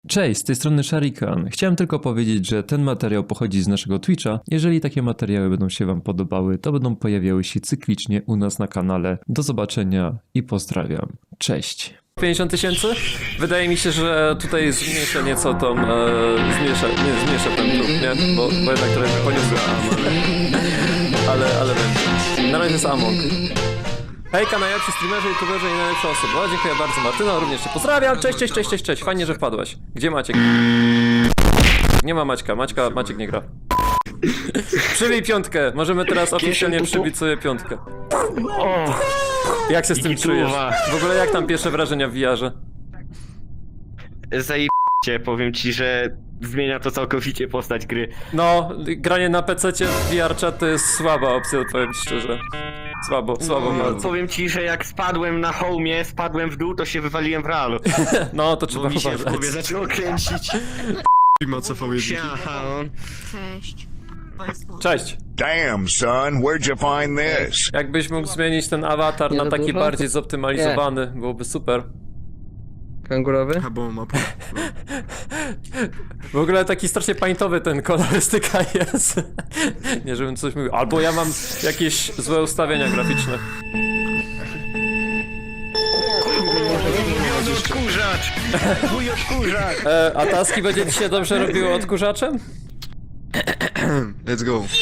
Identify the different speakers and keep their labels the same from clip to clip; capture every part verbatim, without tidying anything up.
Speaker 1: Cześć, z tej strony Sharikan. Chciałem tylko powiedzieć, że ten materiał pochodzi z naszego Twitcha. Jeżeli takie materiały będą się wam podobały, to będą pojawiały się cyklicznie u nas na kanale. Do zobaczenia i pozdrawiam. Cześć. pięćdziesiąt tysięcy? Wydaje mi się, że tutaj zmniejszę nieco tą, e, zmniejszę, nie, zmniejszę ten próg, nie? Bo, bo jednak trochę poniosłem, ale, ale będzie. Na razie jest Among. Hejka, najlepsi streamerzy, youtuberzy i najlepsze osoby. O, dziękuję bardzo, Martyno, również cię pozdrawiam. Cześć, cześć, cześć, cześć, cześć. Fajnie, że wpadłaś. Gdzie Maciek? Nie ma Maćka, Maćka, Maciek nie gra. Przybij piątkę, możemy teraz oficjalnie przybić sobie piątkę. Jak się z tym czujesz? W ogóle jak tam pierwsze wrażenia w V R-ze?
Speaker 2: Zajebiście, powiem ci, że zmienia to całkowicie postać gry.
Speaker 1: No, granie na pececie w V R chat to jest słaba opcja, powiem ci szczerze. Słabo, słabo
Speaker 2: No,
Speaker 1: bardzo.
Speaker 2: powiem ci, że jak spadłem na hołmie, spadłem w dół, to się wywaliłem w realu.
Speaker 1: No, to trzeba
Speaker 2: Bo mi się w
Speaker 1: uważać.
Speaker 2: głowie zaczęło kręcić.
Speaker 3: Ma co powiedzieć.
Speaker 2: Siacha.
Speaker 4: Cześć.
Speaker 1: Cześć.
Speaker 5: Damn, son, where'd you find this?
Speaker 1: Jakbyś mógł zmienić ten awatar
Speaker 6: Nie
Speaker 1: na
Speaker 6: za
Speaker 1: taki
Speaker 6: dużo?
Speaker 1: bardziej zoptymalizowany, byłoby super.
Speaker 6: Kangurowy?
Speaker 3: Albo mapa.
Speaker 1: W ogóle taki strasznie paintowy ten kolorystyka jest. Nie, żebym coś mówił. Albo ja mam jakieś złe ustawienia graficzne.
Speaker 2: Mój odkurzacz! Mój odkurzacz!
Speaker 1: E, a taski będzie ci się dobrze robiło odkurzaczem?
Speaker 3: Let's go.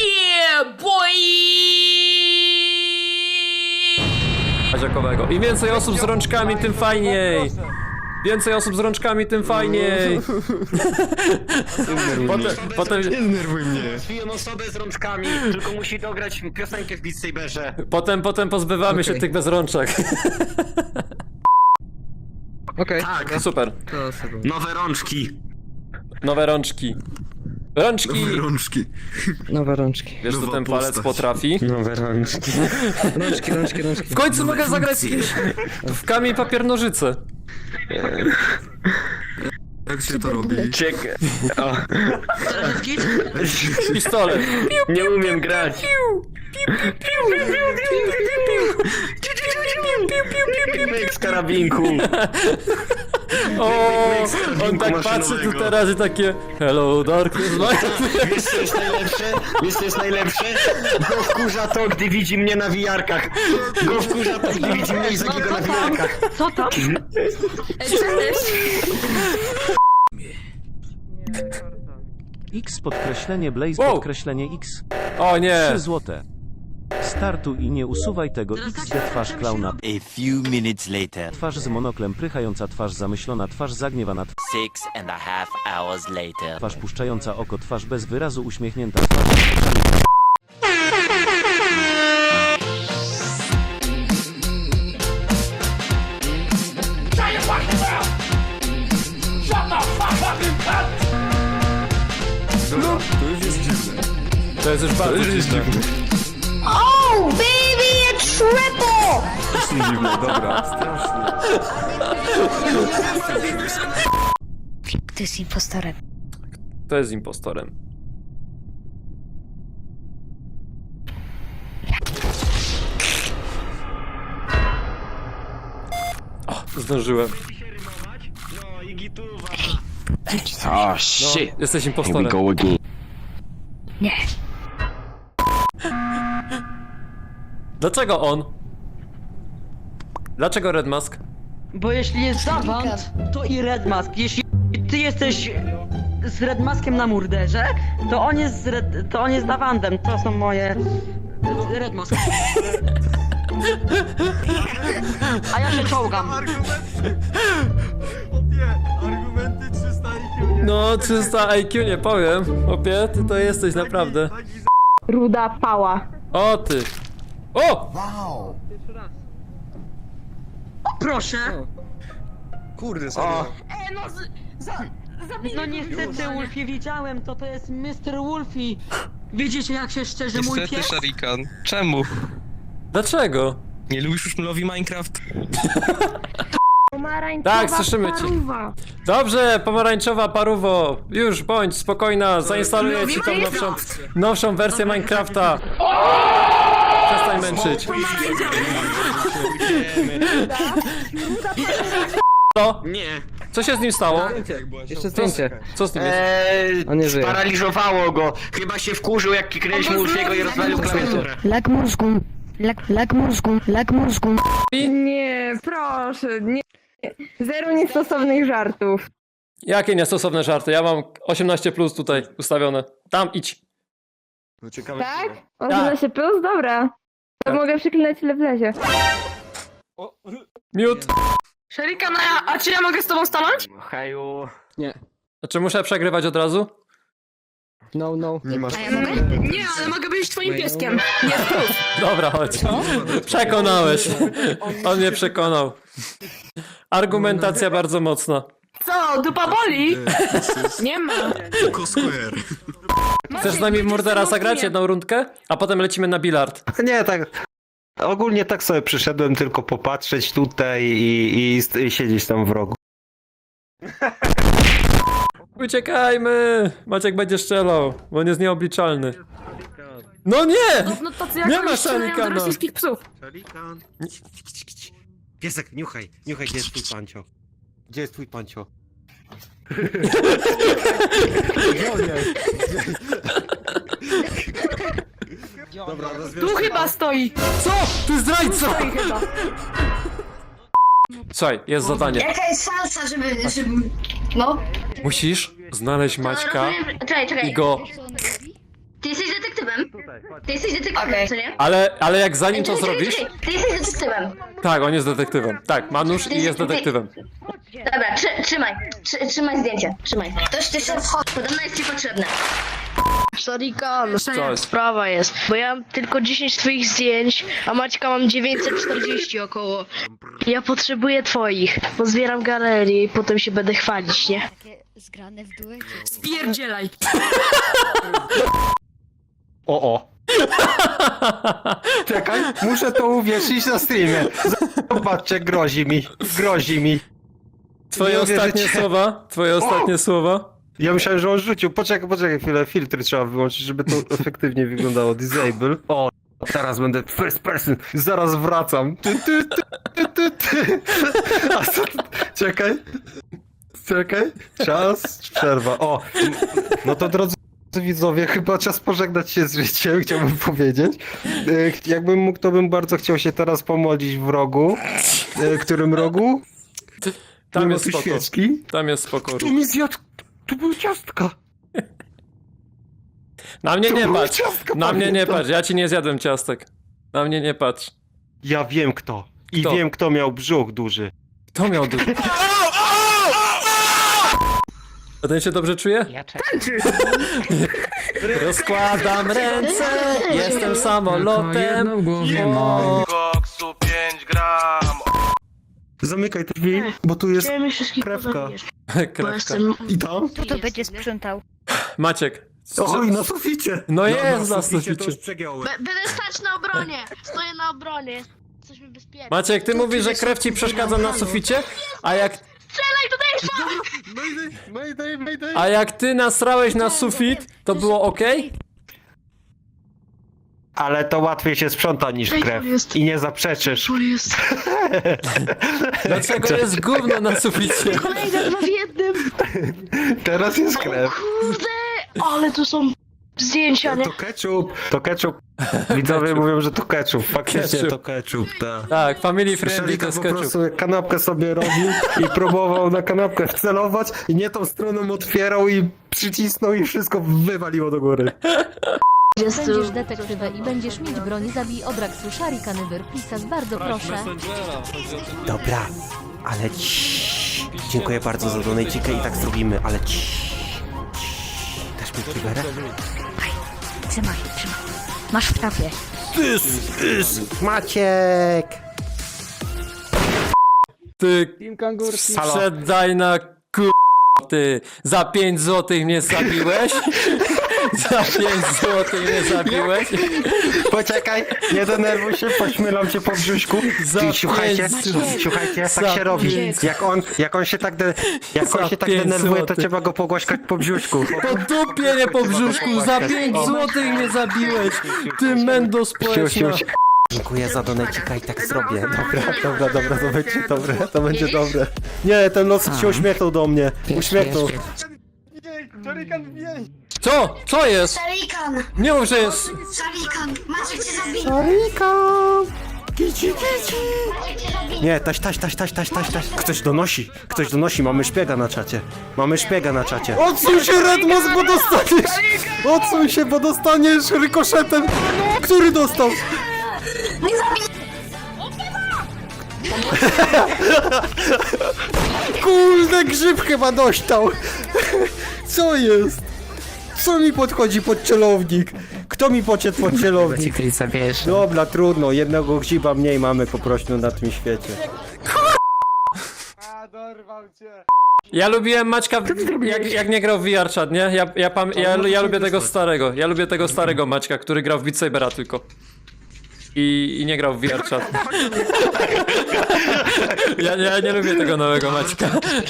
Speaker 1: Paziakowego. Im więcej osób z rączkami, tym fajniej. Więcej osób z rączkami, tym fajniej. Potem, potem,
Speaker 3: Nie znerwuj mnie.
Speaker 2: Zwiją osobę z rączkami, tylko musi dograć piosenkę w Beat Saberze.
Speaker 1: potem, potem pozbywamy się
Speaker 6: Okej.
Speaker 1: tych bez rączek.
Speaker 6: Okej,
Speaker 2: Tak,
Speaker 1: Super.
Speaker 6: to sobie.
Speaker 2: nowe rączki.
Speaker 1: Nowe rączki. Rączki!
Speaker 3: Rączki.
Speaker 6: Nowe rączki.
Speaker 1: Wiesz co
Speaker 3: Nowa
Speaker 1: ten palec
Speaker 3: postać.
Speaker 1: potrafi?
Speaker 2: Nowe rączki.
Speaker 6: Rączki, rączki, rączki.
Speaker 1: W końcu mogę zagrać z kimś w kamień papier nożyce.
Speaker 3: Jak się to robi?
Speaker 2: Czekaj. O,
Speaker 1: Pistolet.
Speaker 2: nie umiem grać. Myk z karabinku.
Speaker 1: O, on tak
Speaker 2: maszynowego.
Speaker 1: patrzy tu teraz i takie hello darkness.
Speaker 2: Wiesz co jest najlepsze? Wiesz co jest najlepsze? Go wkurza to, gdy widzi mnie na wiarkach. Go wkurza to, gdy widzi mnie i Zagiego na wiarkach.
Speaker 4: Co tam? Cześć.
Speaker 7: X podkreślenie Blaze
Speaker 1: Wow.
Speaker 7: podkreślenie X.
Speaker 1: O nie.
Speaker 7: trzy złote. Startuj i nie usuwaj tego X D twarz klauna.
Speaker 8: A few minutes later,
Speaker 7: Twarz z monoklem prychająca, twarz zamyślona, twarz zagniewana,
Speaker 8: six and a half hours later.
Speaker 7: twarz puszczająca oko, twarz bez wyrazu uśmiechnięta, twarz...
Speaker 3: To już jest dziwne.
Speaker 1: To jest już bardzo dziwne.
Speaker 4: Oh, baby, a triple!
Speaker 3: To jest dziwne, dobra. Strasznie.
Speaker 4: Ty jest impostorem.
Speaker 1: To jest impostorem. O, zdążyłem.
Speaker 2: No i gituwa.
Speaker 8: Oh
Speaker 1: No,
Speaker 8: shit.
Speaker 1: jesteś
Speaker 8: Here we
Speaker 1: impostorem.
Speaker 8: go again.
Speaker 4: Nie.
Speaker 1: Dlaczego on? Dlaczego Red Mask?
Speaker 9: Bo jeśli jest Zawant, to i Red Mask. Jeśli ty jesteś z Red Maskiem na murderze, to on jest z Red, to on jest Davantem. To są moje... Red Mask. A ja się czołgam.
Speaker 3: Argumenty trzysta I Q.
Speaker 1: No, trzysta I Q nie powiem. Opie, ty to jesteś naprawdę.
Speaker 4: Ruda pała.
Speaker 1: O ty. O!
Speaker 9: Proszę.
Speaker 3: Kurde, serio.
Speaker 9: E, no, z, za, no niestety, Wolfie, widziałem to, to jest mister Wolfie. Widzicie, jak się szczerze mój
Speaker 10: Niestety,
Speaker 9: pies?
Speaker 10: Sharikan. Czemu?
Speaker 1: Dlaczego?
Speaker 10: Nie lubisz już Mlowi Minecraft?
Speaker 4: Pomarańczowa
Speaker 1: Tak, słyszymy cię.
Speaker 4: paruwa.
Speaker 1: Dobrze, pomarańczowa paruwo. Już bądź spokojna, zainstaluję ci tą nowszą, nowszą wersję Minecrafta. Przestań męczyć. To?
Speaker 2: Nie.
Speaker 1: Co się z nim stało?
Speaker 6: Jeszcze zdjęcie.
Speaker 1: Co z nim jest?
Speaker 2: Eee,
Speaker 6: On nie żyje.
Speaker 2: sparaliżowało go. Chyba się wkurzył, jak kliknęliśmy Ulfiego i rozwalił klawiaturę.
Speaker 4: Lak mózgu. Lak, lak mózgu. Lak mózgu.
Speaker 11: Nie, proszę, nie. Zero niestosownych żartów.
Speaker 1: Jakie niestosowne żarty? Ja mam osiemnaście plus tutaj ustawione. Tam idź.
Speaker 3: No ciekawe.
Speaker 11: Tak? osiemnaście plus? Dobra. To mogę przyklinać ile wlezie.
Speaker 1: Miód.
Speaker 11: Szarikan, a, a czy ja mogę z tobą stanąć?
Speaker 2: Haju.
Speaker 1: A czy muszę przegrywać od razu?
Speaker 6: No, no.
Speaker 3: Nie masz.
Speaker 4: A ja mogę?
Speaker 11: Nie, ale mogę być twoim pieskiem.
Speaker 1: Dobra, chodź. Przekonałeś. On mnie przekonał. Argumentacja bardzo mocna.
Speaker 11: Co, dupa boli? Nie ma.
Speaker 3: Tylko square.
Speaker 1: Chcesz z nami w Murdera zagrać jedną rundkę? A potem lecimy na bilard.
Speaker 2: Nie, tak. Ogólnie tak sobie przyszedłem tylko popatrzeć tutaj i, i, i siedzieć tam w rogu.
Speaker 1: Uciekajmy! Maciek będzie strzelał, bo on jest nieobliczalny. No nie!
Speaker 11: No tacy
Speaker 1: Nie
Speaker 11: jak
Speaker 1: ma
Speaker 11: oni strzelają do
Speaker 1: Sharikana.
Speaker 11: rosyjskich psów.
Speaker 2: Szalikan. Piesek, niuchaj, niuchaj, gdzie jest twój pancio? Gdzie jest twój pancio?
Speaker 3: Dobra,
Speaker 11: Tu chyba stoi.
Speaker 1: Co? Ty zdrajco!
Speaker 11: Stoi chyba.
Speaker 1: Słuchaj, jest zadanie.
Speaker 4: Jaka jest szansa, żeby... żeby... No.
Speaker 1: Musisz znaleźć Maćka
Speaker 4: Czekaj, czekaj.
Speaker 1: i go...
Speaker 4: Ty jesteś detektywem? Ty jesteś detektywem, co nie?
Speaker 1: Ale, ale jak zanim to
Speaker 4: Czekaj,
Speaker 1: zrobisz...
Speaker 4: czekaj, Ty jesteś detektywem.
Speaker 1: Tak, on jest detektywem. Tak, Manusz i jest detektywem.
Speaker 4: Dobra, trzy, trzymaj. Trzy, trzymaj zdjęcie. Trzymaj. Ktoś ty się wchodzi. Podobno jest ci potrzebne.
Speaker 12: Szarikan,
Speaker 1: Co jest?
Speaker 12: sprawa jest, bo ja mam tylko dziesięć twoich zdjęć, a Maćka mam dziewięćset czterdzieści około. Ja potrzebuję twoich, bo zbieram galerię i potem się będę chwalić, nie?
Speaker 4: Takie zgrane w duecie.
Speaker 11: Spierdzielaj.
Speaker 2: O, o. Czekaj, muszę to uwierzyć na streamie. Zobaczcie, grozi mi, grozi mi.
Speaker 1: Twoje
Speaker 2: Nie
Speaker 1: ostatnie
Speaker 2: uwierzycie.
Speaker 1: słowa? Twoje ostatnie słowa?
Speaker 2: Ja myślałem, że on rzucił. Poczekaj, poczekaj chwilę, filtry trzeba wyłączyć, żeby to efektywnie wyglądało. Disable. O, teraz będę first person. Zaraz wracam. Ty, ty, ty, ty, ty, ty. A co? Czekaj. Czekaj. Czas, przerwa. O, no to drodzy widzowie, chyba czas pożegnać się z życiem, chciałbym powiedzieć. E, Jakbym mógł, to bym bardzo chciał się teraz pomodlić w rogu. E, Którym rogu?
Speaker 1: Tam
Speaker 2: Nie ma
Speaker 1: jest
Speaker 2: tu
Speaker 1: spoko.
Speaker 2: świeczki.
Speaker 1: Tam jest spoko.
Speaker 2: Tu mi zjadł. Tu były ciastka.
Speaker 1: Na mnie
Speaker 2: To
Speaker 1: nie
Speaker 2: były
Speaker 1: patrz.
Speaker 2: ciastka,
Speaker 1: Na mnie nie
Speaker 2: pamiętam.
Speaker 1: patrz. Ja ci nie zjadłem ciastek. Na mnie nie patrz.
Speaker 2: Ja wiem kto. I
Speaker 1: Kto?
Speaker 2: wiem kto miał brzuch duży.
Speaker 1: Kto miał dużo? A ten się dobrze czuje?
Speaker 9: Ja czekam.
Speaker 1: Rozkładam ręce, jestem samolotem. O,
Speaker 10: Koksu pięć gram.
Speaker 2: Zamykaj te drzwi, bo tu jest
Speaker 12: Chciałem wszystkich
Speaker 2: krewka.
Speaker 12: pozabijać, bo
Speaker 1: krewka.
Speaker 12: jestem...
Speaker 2: I tam?
Speaker 4: Kto to będzie sprzątał?
Speaker 1: Maciek.
Speaker 2: Oj, na suficie.
Speaker 1: No jest na
Speaker 2: to
Speaker 1: suficie.
Speaker 2: już przegiąłem.
Speaker 12: Będę stać na obronie, stoję na obronie, jesteśmy bezpieczni.
Speaker 1: Maciek, ty mówisz, że krew ci przeszkadza na suficie? A jak,
Speaker 12: Strzelaj tutaj,
Speaker 2: Mayday, mayday, mayday.
Speaker 1: a jak ty nasrałeś na sufit, to było okej?
Speaker 2: Ale to łatwiej się sprząta niż krew. I nie zaprzeczysz.
Speaker 12: jest.
Speaker 1: Dlaczego jest gówno na suficie?
Speaker 12: Kolejne dwa w jednym.
Speaker 2: Teraz jest krew.
Speaker 12: Kurde, ale tu są zdjęcia, nie?
Speaker 2: To ketchup. To ketchup. Widzowie mówią, że to ketchup. Faktycznie
Speaker 1: Ketchup.
Speaker 2: to ketchup, tak.
Speaker 1: Tak, family friendly to
Speaker 2: Szalika
Speaker 1: jest
Speaker 2: po
Speaker 1: ketchup.
Speaker 2: prostu kanapkę sobie robił i próbował na kanapkę wcelować i nie tą stroną otwierał i przycisnął i wszystko wywaliło do góry.
Speaker 12: Będziesz
Speaker 4: detektywem i będziesz mieć broń. Zabij Odraksu, Sharikany, Pisas, bardzo proszę.
Speaker 2: Dobra, ale ciii. Dziękuję bardzo za donajcikę i tak zrobimy, ale ciii. Dasz mi kiberę?
Speaker 4: Trzymaj, trzymaj. Masz w trafie.
Speaker 2: Maciek!
Speaker 1: Ty
Speaker 2: Halo?
Speaker 1: sprzedaj na ku... Ty za pięć złotych mnie zabiłeś? Za pięć złotych mnie zabiłeś?
Speaker 2: Poczekaj, nie denerwuj się, pośmielam cię po brzuszku.
Speaker 1: Za
Speaker 2: Ty, słuchajcie,
Speaker 1: pięć-
Speaker 2: słuchajcie,
Speaker 1: za
Speaker 2: tak się robi.
Speaker 1: pięć-
Speaker 2: Jak on, jak on się tak, de, jak
Speaker 1: Za
Speaker 2: on się tak
Speaker 1: pięć
Speaker 2: denerwuje, to
Speaker 1: złotych.
Speaker 2: trzeba go pogłaskać po brzuszku.
Speaker 1: Po dupie, nie po brzuszku, za pięć złotych mnie zabiłeś! Ty mendo
Speaker 2: Siu,
Speaker 1: społeczna!
Speaker 2: siu, Dziękuję za donajcika i tak zrobię. Dobra, dobra, dobra, to będzie dobre, to będzie dobre. Nie, ten los się uśmiechnął do mnie. Uśmiechnął.
Speaker 1: Co? Co jest?
Speaker 4: Szarikan!
Speaker 1: Nie mów, że jest...
Speaker 4: Szarikan! Maciek cię zabije!
Speaker 2: Szarikan! Kici, kici!
Speaker 4: Maciek cię zabije!
Speaker 2: Nie, taś, taś, taś, taś, taś, taś, taś. Ktoś donosi, ktoś donosi, mamy szpiega na czacie. Mamy szpiega na czacie. Odsuń się, Redmos, bo dostaniesz! Odsuń się, bo dostaniesz rykoszetem! Który dostał?
Speaker 4: Nie zabij!
Speaker 2: Kurde, grzyb chyba dostał! Co jest? Co mi podchodzi pod celownik? Kto mi podszedł pod celownik? Dobra, trudno, jednego grzyba mniej mamy po prostu na tym świecie.
Speaker 1: Ja lubiłem Maćka, jak, jak nie grał w V R Chat, nie? Ja, ja, pam, ja, ja lubię tego starego, ja lubię tego starego Maćka, który grał w Beat Sabera tylko. I, I nie grał w V R Chat. Ja, ja nie lubię tego nowego Maćka.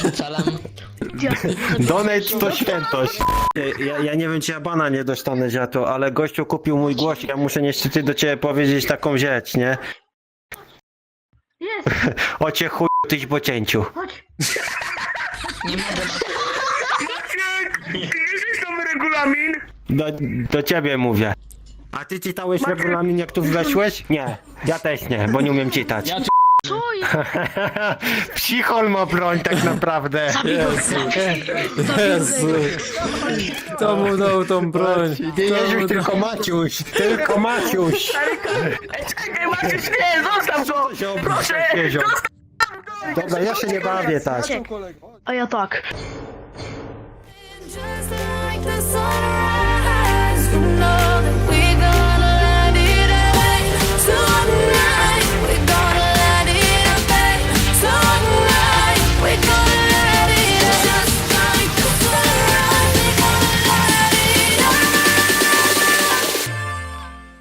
Speaker 2: Donate to świętość. Ja, ja nie wiem, czy ja bana nie dostanę za to, ale gościu kupił mój głos i ja muszę niestety do ciebie powiedzieć taką rzecz, nie?
Speaker 4: Jest!
Speaker 2: O cię chuj, tyś po cięciu.
Speaker 4: Chodź!
Speaker 2: Do, do ciebie mówię. A ty czytałeś regulamin, jak tu weszłeś? Nie, ja też nie, bo nie umiem czytać.
Speaker 12: Co jest?
Speaker 2: Psichol ma broń tak naprawdę.
Speaker 1: Jezu. Jezu. Kto mu dał tą broń?
Speaker 2: Nie Jezus, tylko Maciuś, tylko Maciuś.
Speaker 9: Czekaj, Maciuś, nie, zostaw go!
Speaker 2: Proszę, Dobra, ja się nie bawię tak.
Speaker 12: A ja tak.